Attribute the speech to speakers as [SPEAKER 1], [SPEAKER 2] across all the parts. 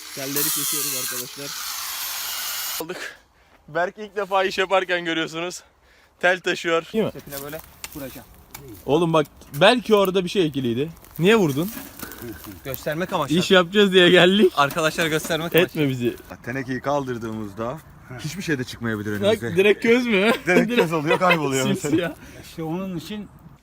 [SPEAKER 1] Telleri kesiyoruz arkadaşlar. Aldık. Berk ilk defa iş yaparken görüyorsunuz. Tel taşıyor. Değil mi?
[SPEAKER 2] Tepine böyle vuracağım.
[SPEAKER 1] Oğlum bak belki orada bir şey ekiliydi. Niye vurdun?
[SPEAKER 2] Göstermek amaçlı.
[SPEAKER 1] İş yapacağız diye geldik.
[SPEAKER 2] Arkadaşlara göstermek amaçlı.
[SPEAKER 1] Etme bizi.
[SPEAKER 3] Tenekeyi kaldırdığımızda hiçbir şey de çıkmayabilir
[SPEAKER 1] Bak
[SPEAKER 3] önümüze.
[SPEAKER 1] direkt köz mü?
[SPEAKER 3] Direkt göz oluyor, kayboluyor mesela.
[SPEAKER 1] Simsiyah.
[SPEAKER 4] İşte onun için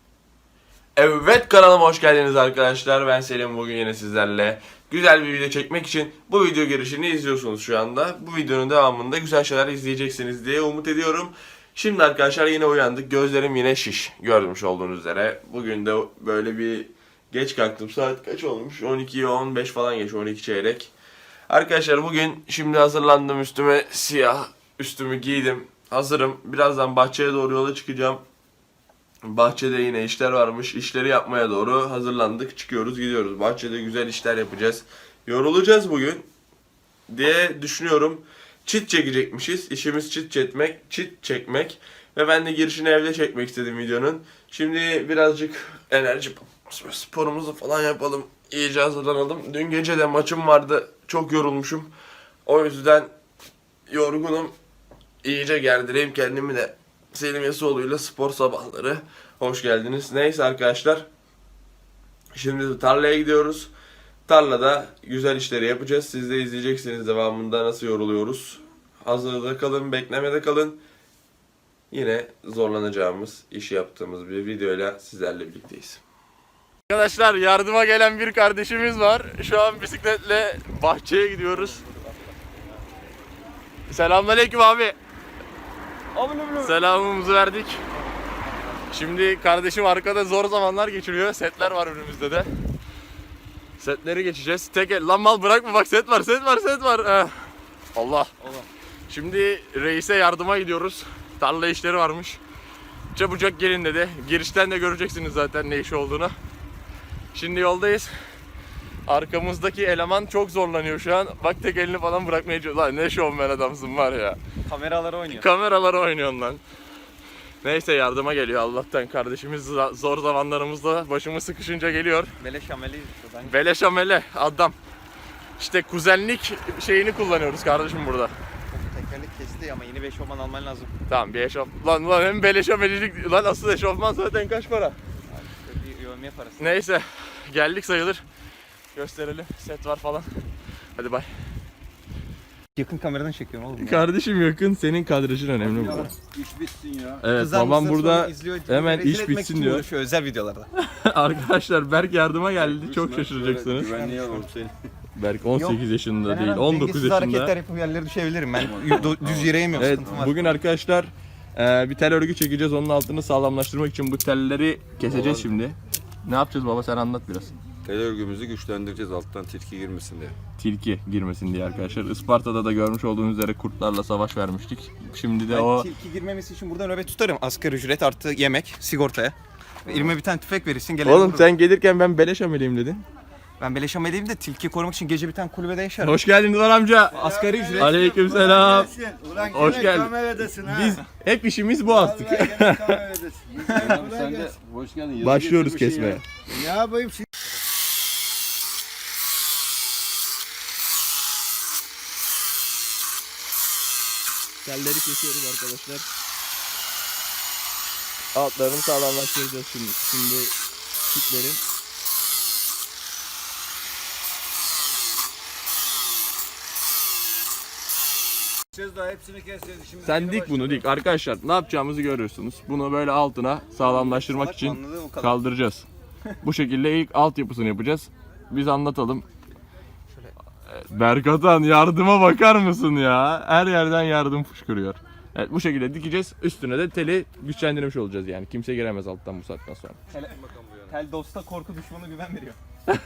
[SPEAKER 1] Evet, kanalıma hoş geldiniz arkadaşlar. Ben Selim, bugün yine sizlerle güzel bir video çekmek için bu video girişini izliyorsunuz şu anda. Bu videonun devamında güzel şeyler izleyeceksiniz diye umut ediyorum. Şimdi arkadaşlar yine uyandık. Gözlerim yine şiş. Görmüş olduğunuz üzere. Bugün de böyle bir geç kalktım. Saat kaç olmuş? 12'ye 15 falan geç. 12 çeyrek. Arkadaşlar bugün şimdi hazırlandım. Üstüme siyah üstümü giydim. Hazırım. Birazdan bahçeye doğru yola çıkacağım. Bahçede yine işler varmış. İşleri yapmaya doğru hazırlandık. Çıkıyoruz, gidiyoruz. Bahçede güzel işler yapacağız. Yorulacağız bugün diye düşünüyorum. Çit çekecekmişiz. İşimiz çit çekmek. Ve ben de girişini evde çekmek istedim videonun. Şimdi birazcık enerji sporumuzu falan yapalım. İyice hazırlanalım. Dün gece de maçım vardı. Çok yorulmuşum. O yüzden yorgunum. İyice gerdireyim kendimi de. Selim Yasoğlu'yla spor sabahları. Hoş geldiniz. Neyse arkadaşlar. Şimdi tarlaya gidiyoruz. Tarlada güzel işleri yapacağız. Siz de izleyeceksiniz devamında nasıl yoruluyoruz. Hazırda kalın, beklemede kalın. Yine zorlanacağımız, iş yaptığımız bir videoyla sizlerle birlikteyiz. Arkadaşlar yardıma gelen bir kardeşimiz var. Şu an bisikletle bahçeye gidiyoruz. Selamünaleyküm abi. Selamımızı verdik. Şimdi kardeşim arkada zor zamanlar geçiriyor. Setler var önümüzde de. Setleri geçeceğiz. Lan mal bırakma bak, set var. Allah. Şimdi reise yardıma gidiyoruz. Tarla işleri varmış. Çabucak gelin dedi. Girişten de göreceksiniz zaten ne iş olduğunu. Şimdi yoldayız. Arkamızdaki eleman çok zorlanıyor şu an. Bak tek elini falan bırakmaya çalışıyor. Lan ne şovmen adamsın var ya.
[SPEAKER 2] Kameralara oynuyor.
[SPEAKER 1] Kameralara oynuyorsun lan. Neyse yardıma geliyor Allah'tan. Kardeşimiz zor zamanlarımızda başımız sıkışınca geliyor.
[SPEAKER 2] Beleş ameli şuradan.
[SPEAKER 1] Beleş amele adam. İşte kuzenlik şeyini kullanıyoruz kardeşim burada.
[SPEAKER 2] Tekerlek kesti ama yeni bir eşofman alman lazım.
[SPEAKER 1] Tamam bir eşofman. Lan hem beleş amelilik. Lan asıl eşofman zaten kaç para?
[SPEAKER 2] Abi işte bir yövmeye parası.
[SPEAKER 1] Neyse geldik sayılır. Gösterelim. Set var falan. Hadi bay.
[SPEAKER 2] Yakın kameradan çekiyorum oğlum ya.
[SPEAKER 1] Kardeşim yakın, senin kadrajın önemli burada.
[SPEAKER 4] iş bitsin ya.
[SPEAKER 1] Evet
[SPEAKER 2] Kızlar
[SPEAKER 1] babam
[SPEAKER 2] mısır
[SPEAKER 1] burada
[SPEAKER 2] sonra izliyor,
[SPEAKER 1] hemen
[SPEAKER 2] rezil
[SPEAKER 1] iş
[SPEAKER 2] etmek
[SPEAKER 1] bitsin
[SPEAKER 2] için
[SPEAKER 1] diyor.
[SPEAKER 2] uğraşıyor özel videolarda.
[SPEAKER 1] Arkadaşlar Berk yardıma geldi. Çok şaşıracaksınız.
[SPEAKER 4] Güvenliğe alalım seni.
[SPEAKER 1] Berk 18 yaşında
[SPEAKER 2] Ben
[SPEAKER 1] değil,
[SPEAKER 2] hemen
[SPEAKER 1] 19
[SPEAKER 2] dengesiz
[SPEAKER 1] yaşında.
[SPEAKER 2] hareketler yapıp yerlere düşebilirim. Ben düz yere yemiyorum,
[SPEAKER 1] Evet,
[SPEAKER 2] sıkıntım var.
[SPEAKER 1] bugün arkadaşlar bir tel örgü çekeceğiz. Onun altını sağlamlaştırmak için bu telleri keseceğiz şimdi. Ne yapacağız baba, sen anlat biraz.
[SPEAKER 4] Tel örgümüzü güçlendireceğiz alttan tilki girmesin diye.
[SPEAKER 1] Tilki girmesin diye arkadaşlar. Isparta'da da görmüş olduğunuz üzere kurtlarla savaş vermiştik. Şimdi de
[SPEAKER 2] Ben
[SPEAKER 1] o
[SPEAKER 2] tilki girmemesi için burada nöbet tutarım. Asgari ücret artı yemek, sigortaya. Elime bir tane tüfek verirsin. Gelelim
[SPEAKER 1] Oğlum
[SPEAKER 2] vururuz.
[SPEAKER 1] sen gelirken ben beleş ameliyim dedin.
[SPEAKER 2] Ben beleş ameliyim de tilki korumak için gece bir tane kulübede yaşarım.
[SPEAKER 1] Hoş geldin Ulan amca.
[SPEAKER 2] Asgari ücret.
[SPEAKER 1] Aleykümselam.
[SPEAKER 5] Ulan
[SPEAKER 1] Hoş
[SPEAKER 5] gene
[SPEAKER 1] geldin.
[SPEAKER 5] kameradasın ha.
[SPEAKER 1] Biz hep işimiz bu artık.
[SPEAKER 5] Vallahi gene kameradasın. Güzel, kolay
[SPEAKER 4] Sen de
[SPEAKER 5] gelsin.
[SPEAKER 4] hoş geldin. Yazı
[SPEAKER 1] Başlıyoruz
[SPEAKER 4] getirmişsin
[SPEAKER 1] kesmeye.
[SPEAKER 4] ya.
[SPEAKER 5] Ne yapayım şimdi?
[SPEAKER 1] Telleri kesiyoruz arkadaşlar. Altlarını sağlamlaştıracağız şimdi çitlerin.
[SPEAKER 5] Siz daha hepsini keseceğiz. Şimdi
[SPEAKER 1] Sen
[SPEAKER 5] yeni
[SPEAKER 1] dik bunu
[SPEAKER 5] başladı.
[SPEAKER 1] dik. Arkadaşlar ne yapacağımızı görüyorsunuz. Bunu böyle altına sağlamlaştırmak
[SPEAKER 2] Salak
[SPEAKER 1] için
[SPEAKER 2] anladın o kadar.
[SPEAKER 1] kaldıracağız. Bu şekilde ilk altyapısını yapacağız. Biz anlatalım. Berkatan yardıma bakar mısın ya? Her yerden yardım fışkırıyor. Evet, bu şekilde dikeceğiz. Üstüne de teli güçlendirmiş olacağız yani. Kimse giremez alttan bu saatten sonra.
[SPEAKER 2] Tel dosta korku düşmanı güven veriyor.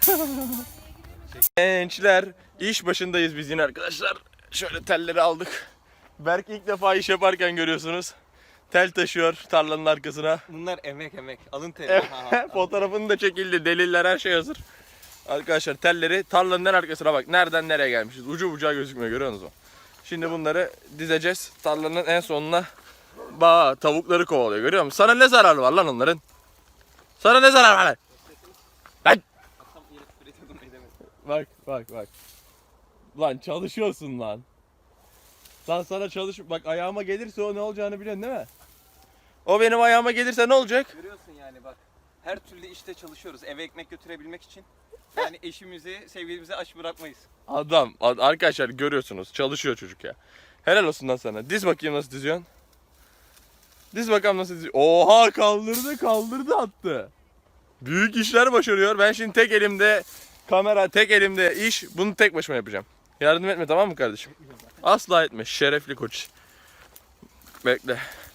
[SPEAKER 1] Gençler, iş başındayız biz yine arkadaşlar. Şöyle telleri aldık. Berk ilk defa iş yaparken görüyorsunuz. Tel taşıyor tarlanın arkasına.
[SPEAKER 2] Bunlar emek. Alın teri.
[SPEAKER 1] Fotoğrafını da çekildi. Deliller, her şey hazır. Arkadaşlar telleri tarlanın en arkasına bak. Nereden nereye gelmişiz. Ucu bucağı gözükmüyor, görüyorsunuz mu? Şimdi bunları dizeceğiz. Tarlanın en sonuna. Bak tavukları kovalıyor, görüyor musun? Sana ne zararı var lan onların? Sana ne zararı var lan? Lan! Bak. Lan çalışıyorsun lan. Lan sana çalış... Bak ayağıma gelirse o ne olacağını biliyorsun değil mi? O benim ayağıma gelirse ne olacak?
[SPEAKER 2] Görüyorsun yani bak. Her türlü işte çalışıyoruz eve ekmek götürebilmek için. Yani eşimizi, sevgilimizi aç bırakmayız.
[SPEAKER 1] Adam, arkadaşlar görüyorsunuz çalışıyor çocuk ya. Helal olsun lan sana. Diz bakayım nasıl diziyorsun. Diz bakalım nasıl diziyorsun. Oha kaldırdı attı. Büyük işler başarıyor. Ben şimdi tek elimde kamera, tek elimde iş. Bunu tek başıma yapacağım. Yardım etme tamam mı kardeşim? Asla etme. Şerefli koç. Bekle.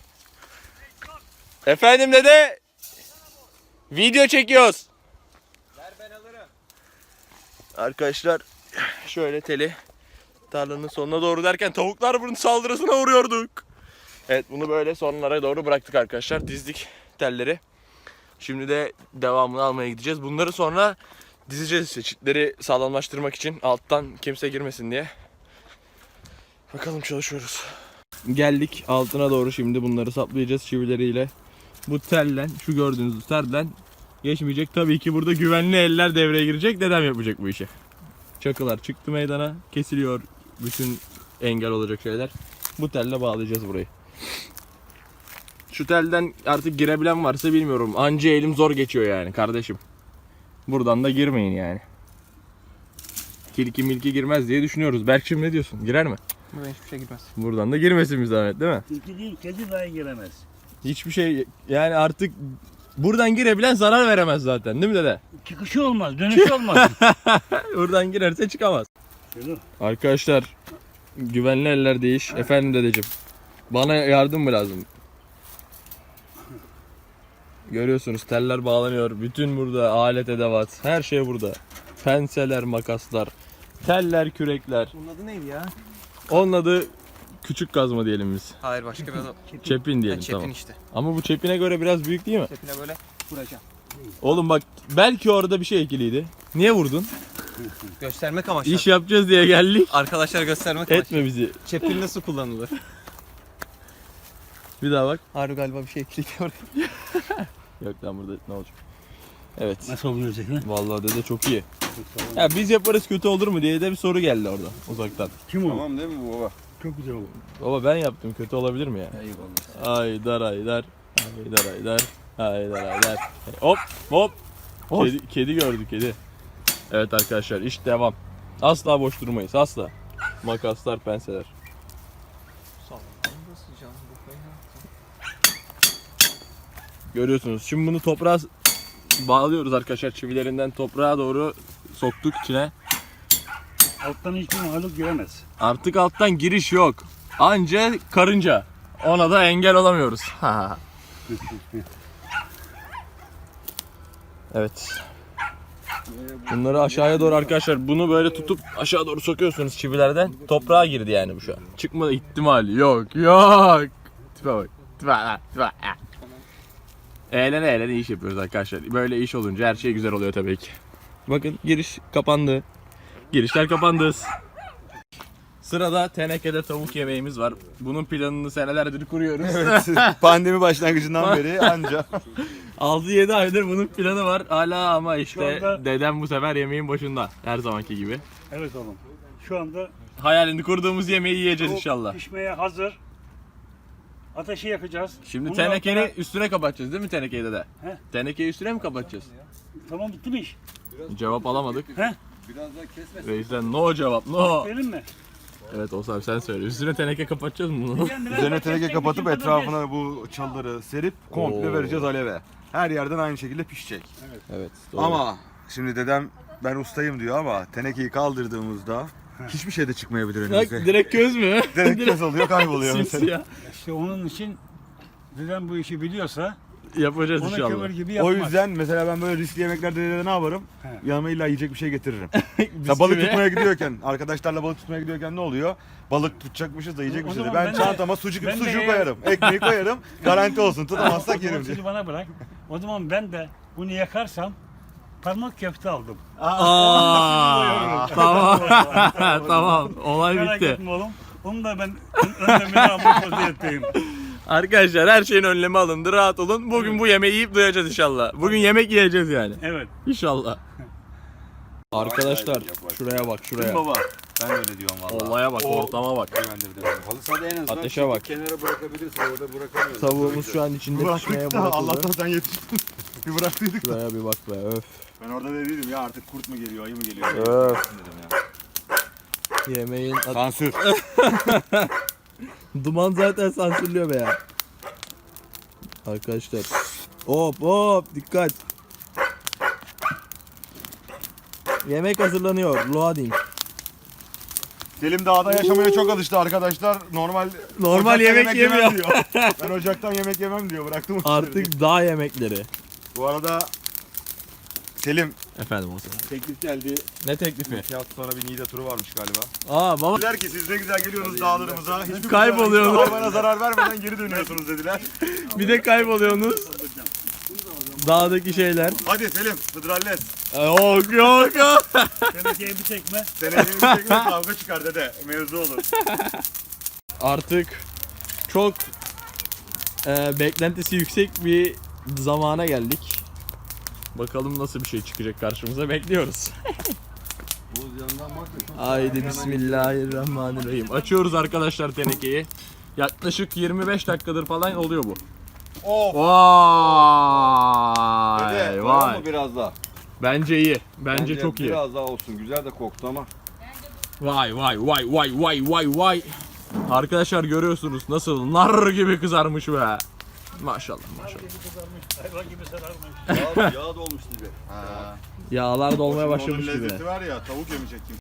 [SPEAKER 1] Efendim dede. Video çekiyoruz.
[SPEAKER 2] Ver ben alırım.
[SPEAKER 1] Arkadaşlar şöyle teli tarlanın sonuna doğru derken tavuklar bunun saldırısına uğruyorduk. Evet bunu böyle sonlara doğru bıraktık arkadaşlar. Dizdik telleri. Şimdi de devamını almaya gideceğiz. Bunları sonra dizeceğiz işte çitleri sağlamlaştırmak için alttan kimse girmesin diye. Bakalım çalışıyoruz. Geldik altına doğru şimdi bunları saplayacağız çivileriyle. Bu tellen şu gördüğünüz telden geçmeyecek. Tabii ki burada güvenli eller devreye girecek. Dedem yapacak bu işi. Çakılar çıktı meydana. Kesiliyor bütün engel olacak şeyler. Bu telle bağlayacağız burayı. Şu telden artık girebilen varsa bilmiyorum. Anca elim zor geçiyor yani kardeşim. Buradan da girmeyin yani. Tilki milki girmez diye düşünüyoruz. Berkçim ne diyorsun? Girer mi?
[SPEAKER 2] Buradan hiçbir şey girmez.
[SPEAKER 1] Buradan da girmesin bir zahmet değil mi?
[SPEAKER 5] Tilki değil, kedi dahi giremez.
[SPEAKER 1] Hiçbir şey yani artık buradan girebilen zarar veremez zaten değil mi dede?
[SPEAKER 5] Çıkışı olmaz, dönüşü olmaz.
[SPEAKER 1] Buradan girerse çıkamaz.
[SPEAKER 5] Şöyle.
[SPEAKER 1] Arkadaşlar güvenli ellerdeyiz. Efendim dedeciğim. Bana yardım mı lazım? Görüyorsunuz teller bağlanıyor. Bütün burada alet edevat. Her şey burada. Penseler, makaslar, teller, kürekler.
[SPEAKER 2] Bunun adı neydi ya?
[SPEAKER 1] Onun adı küçük kazma diyelim biz.
[SPEAKER 2] Hayır başka bir adı.
[SPEAKER 1] Çepin diyelim
[SPEAKER 2] Çepin
[SPEAKER 1] tamam.
[SPEAKER 2] işte.
[SPEAKER 1] Ama bu çepine göre biraz büyük değil mi?
[SPEAKER 2] Çepine böyle vuracağım.
[SPEAKER 1] Oğlum bak belki orada bir şey ekiliydi. Niye vurdun?
[SPEAKER 2] Göstermek amaçlı.
[SPEAKER 1] İş yapacağız diye geldik.
[SPEAKER 2] Arkadaşlar göstermek amaçlı.
[SPEAKER 1] Etme bizi.
[SPEAKER 2] Çepin nasıl kullanılır?
[SPEAKER 1] Bir daha bak.
[SPEAKER 2] Harbi galiba bir şey ekliyor.
[SPEAKER 1] Yok lan burada ne olacak? Evet.
[SPEAKER 5] Nasıl olacak lan?
[SPEAKER 1] Vallahi dede çok iyi. Ya biz yaparız kötü olur mu diye de bir soru geldi orada uzaktan.
[SPEAKER 5] Kim o?
[SPEAKER 4] Tamam değil mi bu baba?
[SPEAKER 5] Çok güzel oldu.
[SPEAKER 1] Baba ben yaptım kötü olabilir mi ya?
[SPEAKER 4] Eyvallah.
[SPEAKER 1] Haydar haydar. Haydar haydar. Haydar haydar. Hop hop. Kedi gördük kedi. Evet arkadaşlar iş devam. Asla boş durmayız asla. Makaslar, penseler. Görüyorsunuz. Şimdi bunu toprağa bağlıyoruz arkadaşlar. Çivilerinden toprağa doğru soktuk içine.
[SPEAKER 5] Alttan hiçbir mahluk giremez.
[SPEAKER 1] Artık alttan giriş yok. Anca karınca. Ona da engel olamıyoruz. Evet. Bunları aşağıya doğru arkadaşlar bunu böyle tutup aşağı doğru sokuyorsunuz çivilerden. Toprağa girdi yani bu şu an. Çıkma ihtimali yok. Yok. Tipe bak. Tipe. Eğlene iş yapıyoruz arkadaşlar. Böyle iş olunca her şey güzel oluyor tabii ki. Bakın giriş kapandı. Girişler kapandı. Sırada tenekede tavuk yemeğimiz var. Bunun planını senelerdir kuruyoruz.
[SPEAKER 3] Pandemi başlangıcından beri anca.
[SPEAKER 1] 6-7 aydır bunun planı var. Hala ama işte
[SPEAKER 5] Şu anda-
[SPEAKER 1] dedem bu sefer yemeğin başında. Her zamanki gibi.
[SPEAKER 5] Evet oğlum. Şu anda
[SPEAKER 1] Hayalini kurduğumuz yemeği yiyeceğiz
[SPEAKER 5] tavuk
[SPEAKER 1] inşallah.
[SPEAKER 5] pişmeye hazır. Ateşi yakacağız.
[SPEAKER 1] Şimdi
[SPEAKER 5] Bunun
[SPEAKER 1] tenekeni
[SPEAKER 5] altına-
[SPEAKER 1] üstüne kapatacağız değil mi tenekeyi dede?
[SPEAKER 5] He.
[SPEAKER 1] Tenekeyi üstüne mi kapatacağız?
[SPEAKER 5] Tamam bitti mi iş?
[SPEAKER 1] Cevap alamadık.
[SPEAKER 5] He?
[SPEAKER 4] Biraz daha kesmesin.
[SPEAKER 1] Reis'ten no cevap no.
[SPEAKER 5] Benim mi?
[SPEAKER 1] Evet Oğuz abi sen söyle. Üstüne teneke kapatacağız mı bunu?
[SPEAKER 3] Üzerine teneke kapatıp etrafına bu çalıları serip komple
[SPEAKER 1] Oo.
[SPEAKER 3] vereceğiz aleve. Her yerden aynı şekilde pişecek.
[SPEAKER 1] Evet. Doğru.
[SPEAKER 3] Ama şimdi dedem ben ustayım diyor ama tenekeyi kaldırdığımızda hiçbir şey de çıkmayabilir
[SPEAKER 1] Bak,
[SPEAKER 3] önümüze.
[SPEAKER 1] direkt göz mü?
[SPEAKER 3] Direkt göz oluyor kayboluyor mesela.
[SPEAKER 1] Simsiyah.
[SPEAKER 5] İşte onun için dedem bu işi biliyorsa
[SPEAKER 1] Yapacağız
[SPEAKER 5] ona
[SPEAKER 1] inşallah.
[SPEAKER 5] kömür gibi
[SPEAKER 3] O
[SPEAKER 5] yapmaz.
[SPEAKER 3] yüzden mesela ben böyle riskli yemeklerde dedede ne yaparım?
[SPEAKER 5] He.
[SPEAKER 3] Yanıma illa yiyecek bir şey getiririm.
[SPEAKER 1] Biz
[SPEAKER 3] Ya balık
[SPEAKER 1] gibi.
[SPEAKER 3] tutmaya gidiyorken, arkadaşlarla balık tutmaya gidiyorken ne oluyor? Balık tutacakmışız da yiyecek
[SPEAKER 5] O
[SPEAKER 3] bir şey de.
[SPEAKER 5] zaman
[SPEAKER 3] Ben
[SPEAKER 5] ben de-
[SPEAKER 3] çantama sucuk
[SPEAKER 5] ben de
[SPEAKER 3] sucuğu
[SPEAKER 5] eğer-
[SPEAKER 3] koyarım, ekmeği koyarım. Garanti olsun, tutamazsak
[SPEAKER 5] O zaman
[SPEAKER 3] yerim.
[SPEAKER 5] sizi bana bırak. O zaman ben de bunu yakarsam parmak köfte aldım.
[SPEAKER 1] Aa, tamam. Tamam. Olay
[SPEAKER 5] Merak
[SPEAKER 1] bitti.
[SPEAKER 5] etme oğlum. Onu da ben önlemini almış vaziyetteyim.
[SPEAKER 1] Arkadaşlar her şeyin önlemi alındı. Rahat olun. Bugün bu yemeği yiyip doyacağız inşallah. Bugün yemek yiyeceğiz yani.
[SPEAKER 5] Evet.
[SPEAKER 1] İnşallah. Arkadaşlar şuraya bak şuraya.
[SPEAKER 3] Baba, Ben öyle diyorum vallahi.
[SPEAKER 1] Olaya bak,
[SPEAKER 3] O
[SPEAKER 1] ortama bak.
[SPEAKER 3] güvendirdi beni.
[SPEAKER 4] Halı sahada en azından
[SPEAKER 1] Ateşe bak.
[SPEAKER 4] kenara bırakabilirsin. Orada bırakamıyorsun.
[SPEAKER 1] Tavuğumuz şu an içinde pişmeye
[SPEAKER 3] Bıraktık da
[SPEAKER 1] bırakıldı.
[SPEAKER 3] Allah'tan sen yetiştin. Bir bıraktıydık da.
[SPEAKER 1] Şuraya bir bak be, öf.
[SPEAKER 3] Ben orada dediydim ya artık kurt mu geliyor, ayı mı geliyor?
[SPEAKER 1] Öf.
[SPEAKER 3] Dedim ya.
[SPEAKER 1] Yemeğin
[SPEAKER 3] Sansür.
[SPEAKER 1] duman zaten sansürlüyor be ya. Arkadaşlar. Hop hop, dikkat. Yemek hazırlanıyor. Loading.
[SPEAKER 3] Selim dağda yaşamaya çok alıştı arkadaşlar. Normal ocaktan
[SPEAKER 1] yemek
[SPEAKER 3] yemem
[SPEAKER 1] yemiyor.
[SPEAKER 3] diyor. Ben ocaktan yemek yemem diyor. Bıraktım o işleri.
[SPEAKER 1] Artık dağ yemekleri.
[SPEAKER 3] Bu arada Selim
[SPEAKER 1] Efendim olsun.
[SPEAKER 3] teklif geldi.
[SPEAKER 1] Ne teklifi?
[SPEAKER 3] 2 hafta sonra bir Niğde turu varmış galiba.
[SPEAKER 1] Aa baba.
[SPEAKER 3] Dediler ki siz ne güzel geliyorsunuz dağlarımıza. Hiçbir
[SPEAKER 1] Kayboluyorsunuz.
[SPEAKER 3] hayvana zarar vermeden geri dönüyorsunuz dediler.
[SPEAKER 1] Bir de kayboluyorsunuz. Dağdaki şeyler.
[SPEAKER 3] Hadi Selim, Hıdralles.
[SPEAKER 1] Yok yok yok.
[SPEAKER 5] Tenekeye bir tekme.
[SPEAKER 3] Seneye bir şekilde kavga çıkar dede. Mevzu olur.
[SPEAKER 1] Artık çok beklentisi yüksek bir zamana geldik. Bakalım nasıl bir şey çıkacak karşımıza, bekliyoruz.
[SPEAKER 4] Buz yanından bak da çok
[SPEAKER 1] Haydi bismillahirrahmanirrahim. Açıyoruz arkadaşlar tenekeyi. Yaklaşık 25 dakikadır falan oluyor bu.
[SPEAKER 3] Of.
[SPEAKER 1] Vay
[SPEAKER 3] Dede,
[SPEAKER 1] vay.
[SPEAKER 4] mı biraz daha?
[SPEAKER 1] Bence iyi. Bence çok iyi.
[SPEAKER 4] Biraz daha olsun. Güzel de koktu ama.
[SPEAKER 1] Vay vay vay vay vay vay vay. Arkadaşlar görüyorsunuz nasıl nar gibi kızarmış be. Maşallah maşallah.
[SPEAKER 5] Hayvan gibi sararmış.
[SPEAKER 4] Yağ dolmuş gibi.
[SPEAKER 1] Yağlar dolmaya
[SPEAKER 3] Onun
[SPEAKER 1] başlamış gibi.
[SPEAKER 3] lezzeti var ya, tavuk yemeyecek kimse.